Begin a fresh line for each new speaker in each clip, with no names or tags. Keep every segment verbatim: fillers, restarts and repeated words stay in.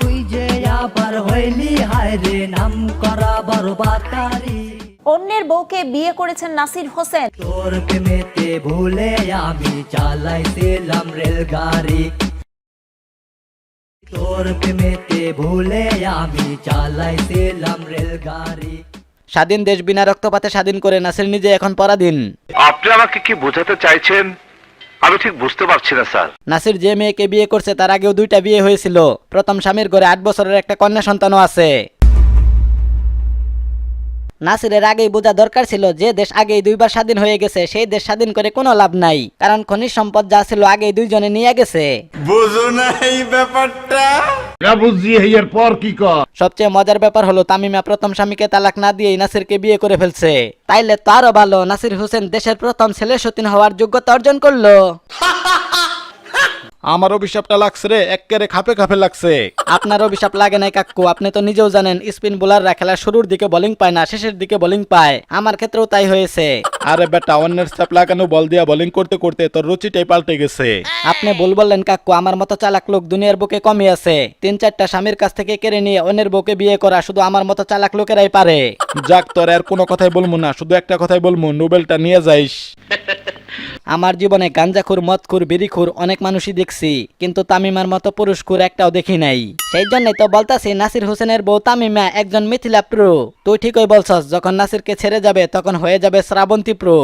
তুই যে আবার হইলি হায় রে নাম করা বরবাদারি।
অন্যের বউকে বিয়ে করেছেন নাসির হোসেন।
তোর প্রেমেতে ভুলে আমি চালাইছিলাম রেলগাড়ি, তোর প্রেমেতে ভুলে আমি চালাইছিলাম রেলগাড়ি।
স্বাধীন দেশ বিনা রক্তপাতে স্বাধীন করে নাসির নিজে এখন পরাধীন।
আপনি আমাকে কি বোঝাতে চাইছেন আমি ঠিক বুঝতে পারছি না স্যার।
নাসির যে মেয়েকে বিয়ে করছে তার আগেও দুইটা বিয়ে হয়েছিল। প্রথম স্বামীর ঘরে আট বছরের একটা কন্যা সন্তানও আছে। নাসিরের আগেই বোঝা দরকার ছিল যে দেশ আগেই দুইবার স্বাধীন হয়ে গেছে সেই দেশ স্বাধীন করে কোনো লাভ নাই, কারণ খনিজ সম্পদ যা ছিল আগেই দুইজনে নিয়ে গেছে।
বুঝো না এই ব্যাপারটা?
না বুঝছি এর পর কি কর।
সবচেয়ে মজার ব্যাপার হলো তামিমা প্রথম স্বামীকে তালাক না দিয়েই নাসিরকে বিয়ে করে ফেলছে। তাইলে তো আরো ভালো, নাসির হোসেন দেশের প্রথম ছেলে সতীন হওয়ার যোগ্যতা অর্জন করলো।
আমার অভিশাপটা লাগছে রে, এক্কেরে খাপে খাপে লাগছে।
আপনার অভিশাপ লাগে নাই কাকু, আপনি তো নিজেও জানেন স্পিন বোলাররা খেলার শুরুর দিকে বোলিং পায় না, শেষের দিকে বোলিং পায়। আমার ক্ষেত্রেও তাই হয়েছে।
আরে বেটা, অন্যের চাপ লাগানো বল দিয়া বোলিং করতে করতে তোর রুচিটাই পাল্টে গেছে।
আপনি ভুল বললেন কাকু, আমার মতো চালাক লোক দুনিয়ার বুকে কমই আছে। তিন চারটা স্বামীর কাছ থেকে কেড়ে নিয়ে অন্যের বউকে বিয়ে করা শুধু আমার মতো চালাক লোকেরাই পারে।
যাক, তোর আর কোনো কথাই বলবো না, শুধু একটা কথাই বলবো, নোবেলটা নিয়ে যাইস।
আমার জীবনে গাঞ্জাখুর, মদখুর, বিড়িখুর অনেক মানুষই দেখছি, কিন্তু তামিমার মতো পুরুষখুর একটাও দেখি নাই। সেই জন্যই তো বলতাছি নাসির হোসেনের বউ তামিমা একজন মিথিলা প্রো। তুই ঠিকই বলছস, যখন নাসিরকে ছেড়ে যাবে তখন হয়ে যাবে শ্রাবন্তী প্রো।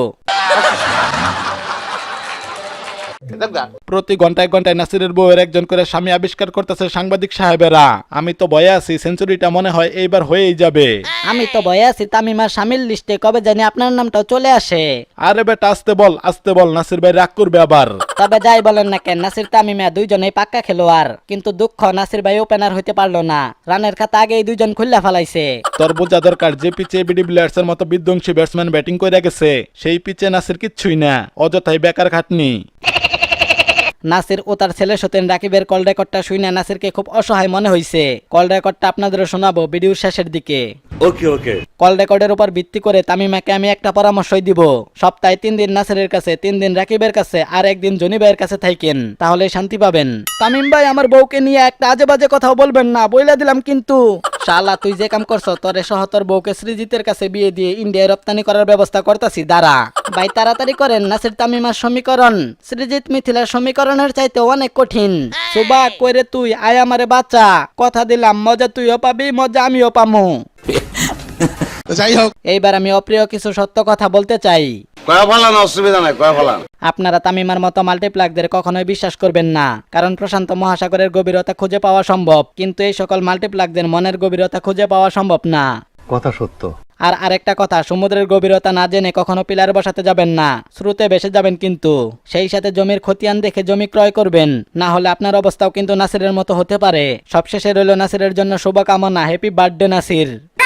প্রতি ঘন্টায় ঘন্টায় নাসিরের বউয়ের একজন করে স্বামী আবিষ্কার করতেছে সাংবাদিক সাহেবেরা। আমি তো ভয়ে আছি, সেঞ্চুরিটা মনে হয় এইবার হয়েই যাবে।
আমি তো ভয়ে আছি তামিমার স্বামীর লিস্টে কবে জানি আপনার নামটাও চলে আসে।
আরে বেটা আসতে বল, আসতে বল, নাসির ভাই রাগ করবে আবার।
তবে যাই বলেন না কেন, নাসির তামিমা দুইজনেই পাক্কা খেলোয়াড়, কিন্তু দুঃখ নাসির ভাই ওপেনার হইতে পারলো না। রানের খাতা আগেই দুইজন খুল্লা ফেলাইছে।
তোর বোঝা দরকার, যে পিচে বিডি প্লেয়ার্স এর মতো বিধ্বংসী ব্যাটসম্যান ব্যাটিং করে গেছে সেই পিচে নাসির কিচ্ছুই না, অযথাই বেকার খাটনি।
নাসির ও তার ছেলে সতেন রাকিবের কল রেকর্ডটা শুনে নাসিরকে খুব অসহায় মনে হয়েছে। কল রেকর্ডটা আপনাদেরও শোনাবো ভিডিওর শেষের দিকে।
ওকে ওকে।
কল রেকর্ডের উপর ভিত্তি করে তামিমাকে আমি একটা পরামর্শই দিব, সপ্তাহে তিন দিন নাসিরের কাছে, তিন দিন রাকিবের কাছে, আর একদিন জনি ভাইয়ের কাছে থাকেন, তাহলে শান্তি পাবেন। তামিম ভাই আমার বউকে নিয়ে একটা আজে বাজে কথাও বলবেন না, বইলা দিলাম কিন্তু। শালা তুই যে কাম করছ, তোরে সহ তোর বউকে সৃজিতের কাছে বিয়ে দিয়ে ইন্ডিয়ায় রপ্তানি করার ব্যবস্থা করতেছি, দাঁড়া। ভাই তাড়াতাড়ি করেন, নাসির তামিমার সমীকরণ সৃজিত মিথিলার সমীকরণের চাইতে অনেক কঠিন। সুবা কইরে তুই আয় আমারে বাচ্চা, কথা দিলাম মজা তুইও পাবি, মজা আমিও পামু।
যাই হোক,
এইবার আমি অপ্রিয় কিছু সত্য কথা বলতে চাই।
কয়া ফেলান, অসুবিধা নাই, কয়া ফেলান।
আপনারা তামিমার মতো মাল্টিপ্লাকদের কখনোই বিশ্বাস করবেন না, কারণ প্রশান্ত মহাসাগরের গভীরতা খুঁজে পাওয়া সম্ভব, কিন্তু এই সকল মাল্টিপ্লাকদের মনের গভীরতা খুঁজে পাওয়া সম্ভব না।
কথা সত্য।
আর আরেকটা কথা, সমুদ্রের গভীরতা না জেনে কখনো পিলার বসাতে যাবেন না, স্রোতে ভেসে যাবেন কিন্তু। সেই সাথে জমির খতিয়ান দেখে জমি ক্রয় করবেন, না হলে আপনার অবস্থাও কিন্তু নাসিরের মতো হতে পারে। সবশেষে রইল নাসিরের জন্য শুভকামনা, হ্যাপি বার্থডে নাসির।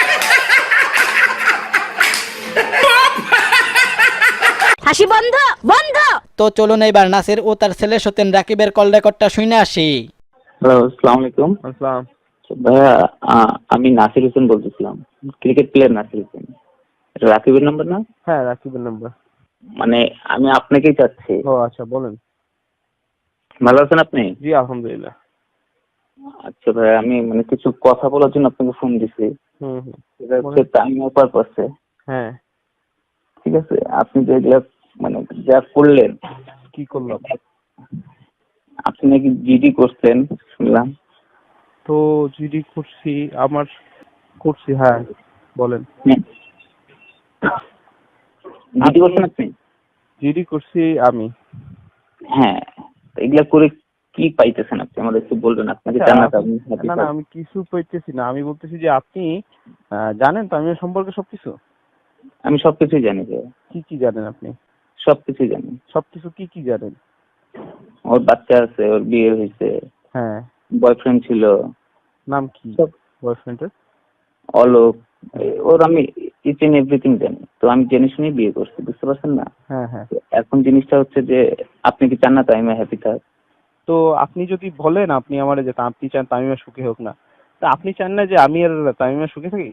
হাসি বন্ধ বন্ধ।
তো চলুন এইবার নাসির ও তার ছেলে সতেন রাকিবের কল রেকর্ডটা শুনে আসি।
হ্যালো, আসসালামু আলাইকুম।
আসসালাম।
ভাইয়া, আ- আমি নাসির হোসেন বলতেছিলাম, ক্রিকেট প্লেয়ার নাসির হোসেন। এটা রাকিবের নাম্বার না?
হ্যাঁ, রাকিবের নাম্বার।
মানে আমি আপনাকেই চাচ্ছি।
ও আচ্ছা, বলেন।
ভালো আছেন আপনি?
জি আলহামদুলিল্লাহ।
আচ্ছা ভাইয়া, আমি মানে কিছু কথা বলার জন্য আপনাকে ফোন দিছি।
হুম হুম।
এটা হচ্ছে টাইম পারপাসে।
হ্যাঁ।
ঠিক আছে, আপনি যেগুলা মানে যা করলেন।
কি করলাম?
আপনি নাকি জিডি করছেন শুনলাম।
তো জিডি করছি, আমার করছি। হ্যাঁ বলেন।
জিডি করছেন আপনি?
জিডি করছি আমি।
হ্যাঁ, তো এগুলা করে কি পাইতেছেন আপনি আমাদের একটু বলবেন। আপনাকে জানাতে আমি happy
না না,
থাকবো।
আমি কিছু পাইতেছি না, আমি বলতেছি যে আপনি আহ, জানেন তো আমি সম্পর্কে সবকিছু।
আমি সবকিছুই জানি যে।
কি কি জানেন আপনি?
সবকিছুই জানি।
সবকিছু কি কি জানেন?
ওর বাচ্চা আছে, ওর বিয়ে হয়েছে,
হ্যাঁ।
বয়ফ্রেন্ড ছিল।
নাম কি
সব।
বয়ফ্রেন্ডের?
অলোক। এই- ওর আমি ইচ এন্ড এভরিথিং জানি। তো আমি জেনে শুনে বিয়ে করছি, বুঝতে পারছেন না?
হ্যাঁ হ্যাঁ।
তো এখন জিনিসটা হচ্ছে যে আপনি কি চান না তামিমা হ্যাপি থাক?
তো আপনি যদি বলেন আপনি আমার যে তা- আপনি চান তামিমা সুখী হোক না, তা আপনি চান না যে আমি আর তামিমা সুখী থাকি?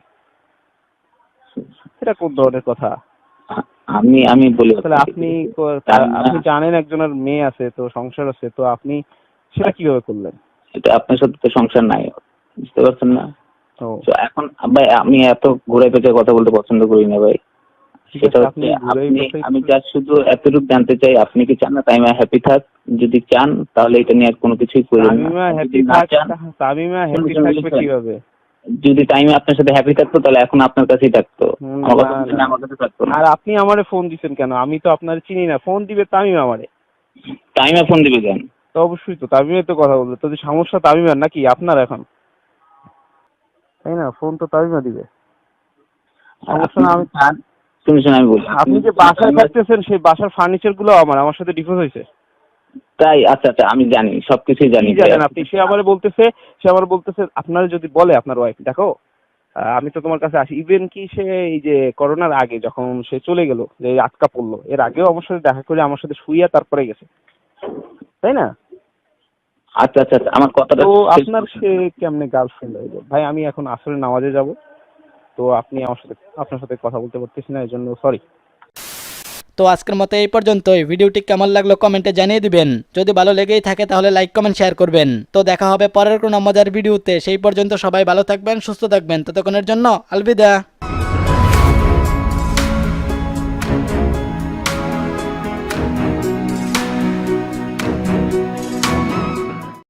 এটা কোন ধরনের কথা?
আ- আমি আমি বলি
তাহলে
আপনাকে,
আপনি ক- তা-
তামিমা-
আপনি জানেন একজনের মেয়ে আছে, তো সংসার আছে, তো আপনি সেটা কিভাবে করলেন?
এটা আপনার সাথে তো সংসার নাই। পারছেন না?
ও
তো এখন ভাই আমি এত ঘুরে পেঁচে কথা বলতে পছন্দ করি না ভাই।
ঠিক
সেটা
আছে,
হচ্ছে
আপনি ঘুরাই
আপনি
পেঁচাই
আমি
একটু-
জাস্ট শুধু এতটুকু জানতে চাই আপনি কি চান না তামিমা হ্যাপি থাক? যদি চান তাহলে এটা নিয়ে আর কোনো কিছুই করেন না।
তামিমা
আর
হ্যাপি
যদি না
থাক,
চান,
তামিমা হ্যাপি
শুনুন,
থাকবে
শুনুন,
কিভাবে?
যদি তামিমা আপনার সাথে হ্যাপি থাকতো তাহলে এখন আপনার কাছেই থাকতো।
হুম,
আমার কথা
না,
বলছেন
না।
আমার কাছে থাকতো না।
আর আপনি আমারে ফোন দিছেন কেন? আমি তো আপনার চিনি না, ফোন দিবে তামিমা আমারে।
তামিমা ফোন দিবে কেন?
তো অবশ্যই তো তামিমা তো কথা বলবে, তো যে সমস্যা তামিমার নাকি আপনার এখন, তাই না? ফোন তো তামিমা দিবে,
আর
সমস্যা
আপনি
না। আমি
চান, শুনুন শুনুন আমি বলি,
আপনি যে বাসায় থাকতেছেন সেই বাসার ফার্নিচার গুলো আমার আমার সাথে ডিভোর্স হয়েছে।
তাই? আচ্ছা আচ্ছা আমি জানি, সবকিছুই জানি।
কি জানেন আপনি? সে আমার বলতেছে সে আমার বলতেছে আপনার যদি বলে আপনার ওয়াইফ, দেখো আহ, আমি তো তোমার কাছে আসি, ইভেন কি সে এই যে করোনার আগে যখন সে চলে গেল, যে আটকা পড়লো, এর আগেও আমার সাথে দেখা করে আমার সাথে শুইয়া তারপরে গেছে, তাই না?
আচ্ছা আচ্ছা আচ্ছা, আমার কথাটা
তো
শেষ
আপনার
করুন।
সে কেমনে গার্লফ্রেন্ড হয়ে যায়? ভাই আমি এখন আসলে নামাজে যাব, তো আপনি আমার সাথে আপনার সাথে কথা বলতে পারতেছি না, এই জন্য সরি।
তো আজকের মতো এই পর্যন্তই। ভিডিওটি কেমন লাগলো কমেন্টে জানিয়ে দিবেন। যদি ভালো লেগেই থাকে তাহলে লাইক কমেন্ট শেয়ার করবেন। তো দেখা হবে পরের কোনো মজার ভিডিওতে। সেই পর্যন্ত সবাই ভালো থাকবেন, সুস্থ থাকবেন। ততক্ষণের জন্য আলবিদা।